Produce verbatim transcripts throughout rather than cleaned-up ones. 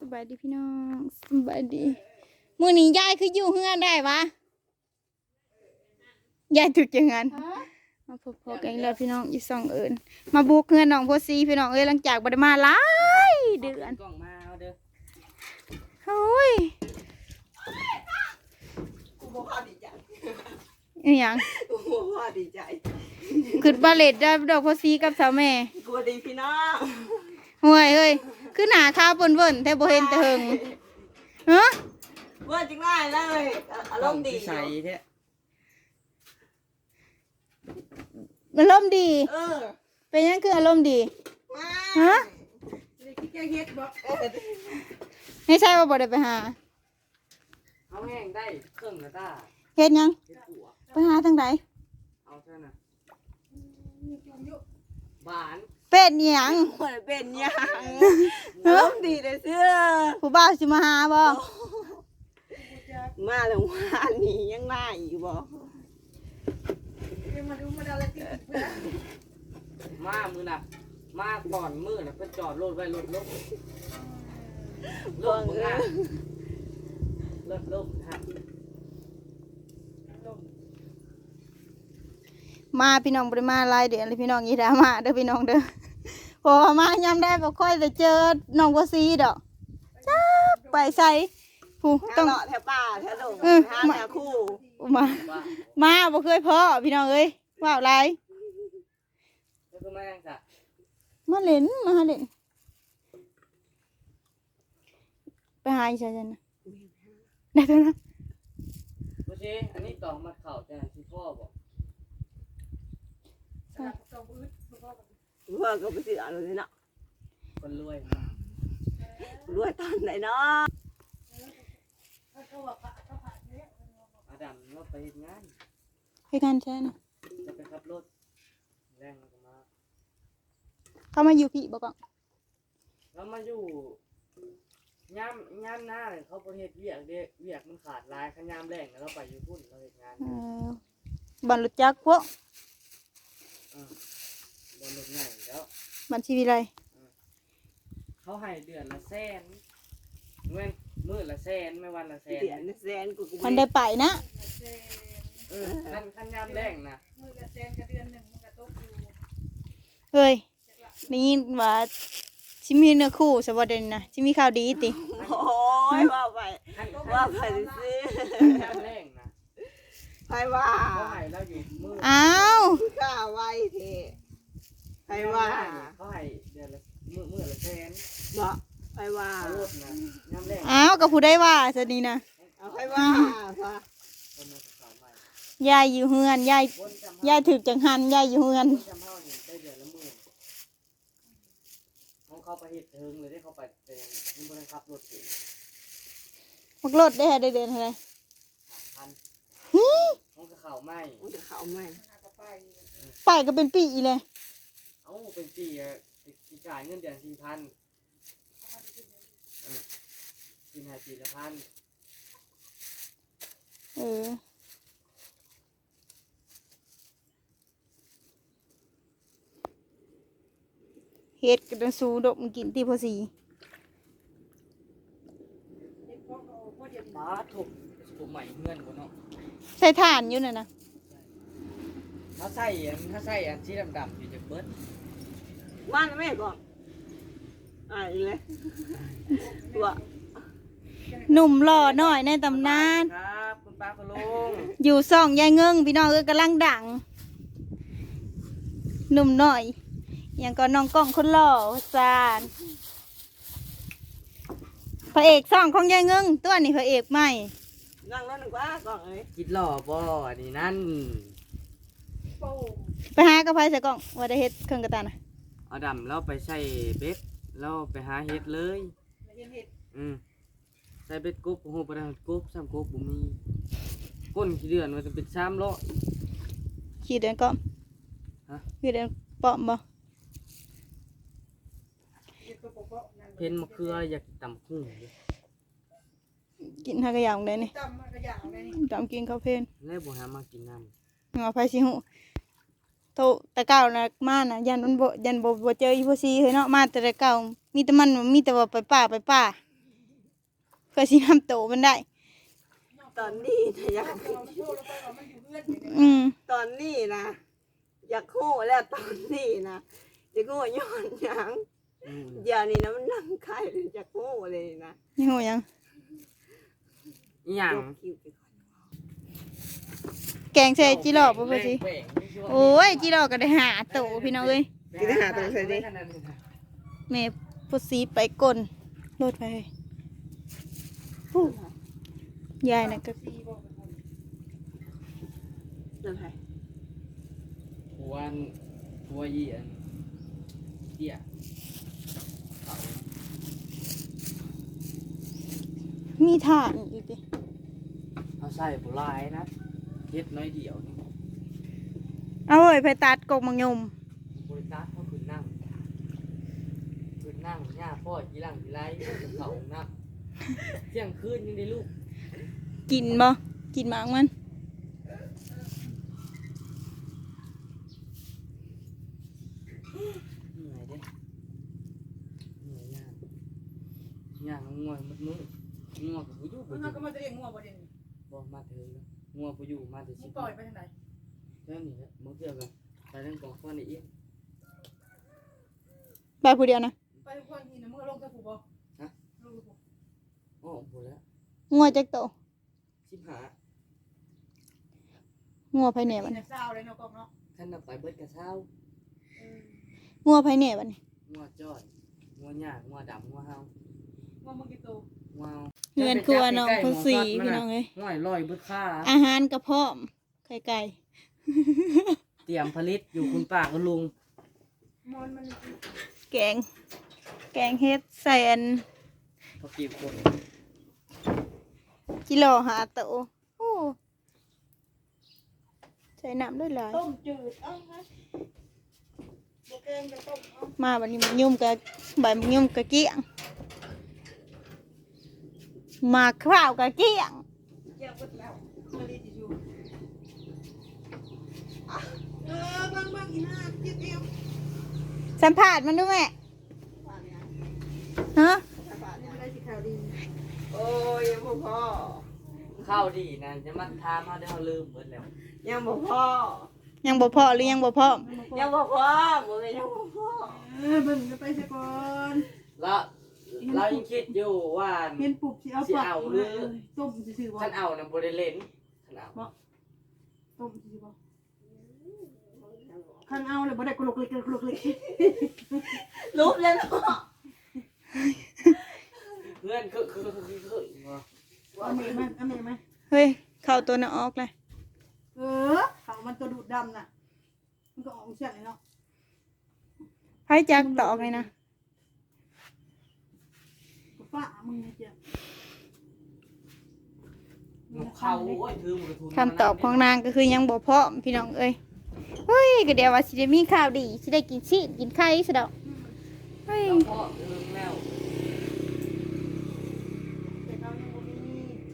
บายดีพี่น้องสบายดีมื้อนี้ยายคืออยู่เฮือนได้วะยายถูกจังงั้นมาพบๆกันอีกแล้วพี่น้องอีสองเอิญมาบุกเฮือนน้องโพสีพี่น้องเอ้ยหลังจากบ่ได้มาหลายเดือนโอ้ยกูบ่พอดีใจอีหยังกูบ่พอดีใจขึ้นบาเลตได้ดอกโพสีกับสาวแม่กูดีพี่น้องห่วยเฮ้ยคือหน้าขาวเบิ่นๆแท้บ่เห็นแต่เฮิงฮะเมื่อจริงง่ายเลยอารมณ์ดีใส่แท้อารมณ์ดีเออเป็นยังคืออารมณ์ดีฮะแกเฮ็ดบ่ไม่ใช่ว่าบ่ได้ไปหาเอาแห้งได้เครื่องนะต้าเฮ็ดยังเฮ็ดหัวไปหาทางใดเอาเท่านั้นบานเป็ดอีหยังมันเป็นหยังอารมณ์ดีเลยเสื้อผู้บ่าวสิมาหาบ่มาแล้วว่านี่ยังมาอีกบ่มามือน่ะมาก่อนมือน่ะเพิ่นจอดรถไว้รถลบรถมึงอ่ะรถลบฮะมาพี่น้องบ่ได้มาหลายเดือนเลยพี่น้องอย่าด่ามาเด้อพี่น้องเด้อเพราะว่ามายามได้บ่ค่อยได้เจอน้องบ่ซีดอกจ้าไปใส่ผู้ต้ต้ออง งเลาะแถวป่าแถวดงเออหาแถวคู่มาว่ามาบ่เคยพ้อพี่น้องเอ้ยว้าวหลายแล้วก็มายังจ้ะมาเล่นมาหาเล่นไปหาอีฉันนะได้ตัวนะบ่สิอันนี้ต้องมาเข้าแต่ที่พ่อบอกเพื่อก็ไปซื้อเอะไรเนาะคนรวยรวยตอนไหนเนาะอาดัมเราไปเฮ็ดงานให้กันใช่นะจะไปขับรถแรงแล้วก็มาเขามาอยู่พี่บ่ก่อนแล้วมาอยู่ยามยามหน้าเนี่ยเขาบ่เฮ็ดเวียกเด้เวียกมันขาดหลายคันยามแรงแล้วเราไปอยู่พุ่นเราเฮ็ดงานเออบันรถจักรพวกอ่าบนรถใหญ่แล้วบันชีวิไลเขาให้เดือนละแสนเงินมื้อละแสนไม่วันละแสนเดือนแสนกูกูมันได้ไปนะเออคันคันยามแรงนะเฮ้ยนี่ว่าชิมีเนื้อคู่สวัสดีนะชิมีข่าวดีติโอ้ยว่าไปคันว่าไปซื้อยามแรงนะไปว่าเขาให้เราอยู่มื้ออ้าวข้าไว้เถอะไปว่าเขาให้เดือนละมื้อมื้อละแสนบ่ไปว่าเอารถนะยามแรงอ้าวกับผู้ได้ว่าสดีนะเอาไปว่าค่ะคนมาสาวใหม่ยายอยู่เฮือนยายคนจำยายถึกจังหันยายอยู่เฮือนคนจำเฮานี่ได้เดือนละหมื่นเขาเข้าไปเฮ็ดเทิงเลยได้เข้าไปแต่ยังบ่ได้ขับรถเองมักรถได้ได้เดือนเท่าไหร่พันเขาก็เข้าไม่มันจะเข้าไหมไปก็เป็นปีเลยเอ้าเป็นปีอะสิจ่ายเงินเดือนสี่พันเออกินให้ปีละพันเออเฮ็ดกระสูดมกินที่พอสีป้าถูกถูกใหม่เงินคนเนาะใส่ถ่านอยู่น่ะนะถ้าใส่อันถ้าใส่อันที่ดำๆอยู่จากเบิร์ดว่านแม่ก่อนอ่าอีเลยว่าหนุ่มหล่อหน่อยในตำนานครับคุณป้าคุณลุงอยู่ซ่องยายเงิงพี่น้องเอ้ยกำลังดังหนุ่มหน่อยอย่างก็น้องกล้องคนหล่อจานพระเอกซ่องของยายเงิงตัวนี้พระเอกใหม่นั่งแล้วหนึ่งว่าก่อนเลยคิดหล่อบ่อันนี้นั่นไปหากระเพราใส่กล้องว่าได้เฮ็ดเครื่องกระตานะเอาดำแล้วไปใส่เบ็ดแล้วไปหาเห็ดเลยอืมใส่เบ็ดกบโอ้โหประดานกบซ้ำกบบุมีก้นขี้เดือนมันจะเป็นซ้ำล้อขี่เดินก้อมฮะขี่เดินปอมบ่เพนมะเขืออยากตำคุ้งอยู่กินหากระยางได้นี่จำกินข้าวเพลนแล้วบ่หามากินน้เอาไปสิหูโตแต่เก่านะมานะยันมันบ่ยันบ่บ่เจออีพ่อซีเฮ้ยเนาะมาแต่แต่เก่ามีแต่มันมีแต่ว่าไปป่าไปป่าำก็สินำโตมันได้ตอนนี้นะอยากอืมตอนนี้นะอยากโง่แล้วตอนนี้นะจะโง่ย้อนหยังอืมเดี๋ยวนี้นะมันนั่งไข่เลยจะโง่เลยนะยังหูยังอีหยังยกคิ้วไปก่อนแกงใส่จิหลอกบ่พอสิแหว่งๆช่วงโอ้ยจิหลอกก็ได้หาโตพี่น้องเอ้ยกินได้หาตัวใส่ดิแม่พอสีไปก่นรถไปฮู้ยายน่ะก็เดินไปหัวอันหัวอีอันเตี้ยเขามีทางอีกดิเอาใส่บุหรี่นะเฮ็ดน้อยเดียวนี่เอาเว้ยไปตัดกกมังยมบริการเขาคือนั่งคือนั่งหญ้าพ่อยีหลังยีไรเขานั่งเที่ยงคืนยังได้ลูกกินบ่กินหมากมันเหนื่อยเด้เหนื่อยยากยากง่วงมันมืดง่วงกับผู้อยู่บ่มันอยู่ก็มาจะเรียกงัวบ่เด่นบ่มาเถิงแล้วง่วงผู้อยู่มาแต่มึสิงบปล่อยไปทางไหนแค่นี้แหละบ่เกี่ยวกันไปเรื่องกองฟ้อนนี่อีกไปผู้เดียวนะไปทุกคนทีนะมึงลงกับผู้บ่ลงกับผู้อ๋อบ่แล้วงัวจักโตสิบห้างัวไผแหน่บัดเนี่นี้ยเศร้าเลยเนาะกองเนาะท่านน่ะไปเบิดกระเช้างัวไผแหน่บัดนี้ง่วงจ้อยง่วงหญ้าง่วงดำง่วงเฮางัวมึงกี่ตัวง่วงเฮือนครัวน้องพอสีพี่น้องเอ้ยง่วงลอยเบิดค่าอาหารก็พร้อมไข่ไก่เตรียมผลิตอยู่คุณป้าคุณลุงมอนมันแกง แกงเฮ็ดใส่อันพอกีบคนกิโลหาโตโอ้ใส่น้ำด้วยหลายต้มจืดเอ้าฮะบ่เกินกับต้มเอามาบัดนี้มันยุ่มกับใบมันยุ่มกับเกี้ยงมาข้าวกับเกี้ยงเกี่ยวกับแล้วมาดีจิจูเออบางบางอีห้าจิตเอวสัมผัสมันด้วยแม่ฮะนี่อะไรสิข่าวดีโอ้ยยังบ่พอข้าวดีนะจะมาทามมาได้เขาลืมเบิดแล้วยังบ่พอยังบ่พอหรือยังบ่พร้อมยังบ่พอบ่เลยยังบ่พอเออเบิ่งกันไปซะก่อนแล้วเรายังคิดอยู่ว่าเห็นปุบสิเอาปากต้มซื่อๆบ่ท่านเอานะบริเลนท่านเอาต้มซื่อๆบ่คันเอาเลยบ่ได้กลุกเลยกลุกเลยรูปแล้วเนาะเพื่อนคือคือคือคือคือเอาเมย์มาเอาเมย์มาเฮ้ยเข้าตัวน่ะออกเลยเออเขามันตัวดูดดำน่ะ มันก็ออกเสียงเลยเนาะไผจักตอกเลยนะป้ามึงเนี่ยเจ้าเขาโอ้ยถือมือทุนคำตอบของนางก็คือยังบ่พร้อมพี่น้องเอ้ยเฮ้ยก็เดี๋ยวว่าสิได้มีข่าวดีสิได้กินชีสกินไข่ซะดอกเฮ้ยพ่อเรื่องแล้วแต่เขายังบ่มี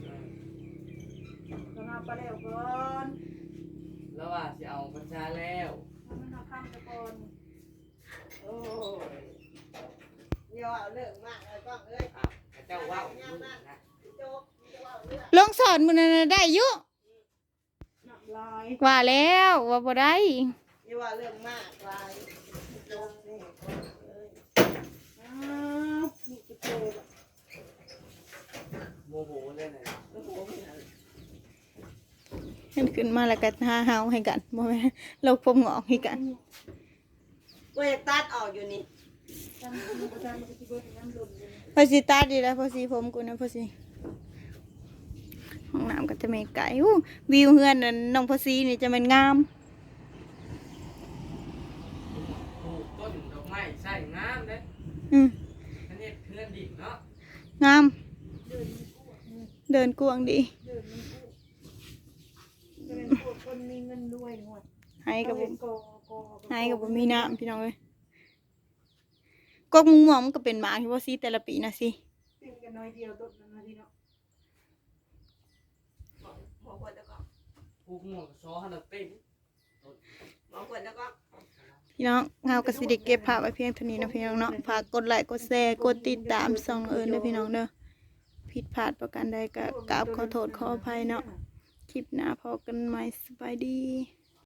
เราเอาไปแล้วก่อนแล้วว่าจะเอาประชาแล้วมันเอาข้ามไปก่อนโอ้ยอย่าเอาเรื่องมากเลยก้องเอ้ยอ่ะเจ้าว่าวนะโจ๊กอย่าเอาเรื่องลงสอนมื้อนั้นน่ะได้อยู่หนักลายว่าแล้วว่าบ่ได้อย่าว่าเรื่องมากลายโจ๊กนี่เอ้ยอ้าวนี่จะโตแบบโมโหเลยนะโอ้โหไม่เอาเห็นขึ้นมาแล้วก็หาเฮาให้กันบ่แม่นโลกผมงอกให้กันเว้ยตัดออกอยู่นี่จำมันก็จำมันก็จะเบิดน้ำหล่นเลยพอสิตัดดีแล้วพอสิผมกูนะพอสิห้องน้ำก็จะไม่ไกลอู้วิวเฮือนนั่นน้องพอสินี่จะมันงามปลูกต้นดอกไม้ใส่งามเลยอืมอันนี้เพื่อนดิบเนาะงามเดินมันอ้วกเดินกวางดีเดินมันอ้วกจะเป็นพวกคนมีเงินรวยหน่อยให้กับเป็บ่นกอกอให้กับบ่มีน้ำพี่น้องเอ้ยกกมุงม่วงมันก็เป็นหมาที่พอสิแต่ละปีนะสิเป็นกันน้อยเดียวต้นนั้นนะที่เนาะหมอควรแล้วก็ปลูกหม่วงซ้อหันเต้นหมอควรแล้วก็พี่น้องเฮาก็สิได้เก็บภาพไว้เพียงเท่านี้นะพี่น้องเนาะฝากกดไลค์กดแชร์กดติดตามส่องเอิ้นเด้อพี่น้องเด้อผิดพลาดประการใดก็กราบขอโทษขออภัยเนาะคลิปหน้าพอกันใหม่สบายดี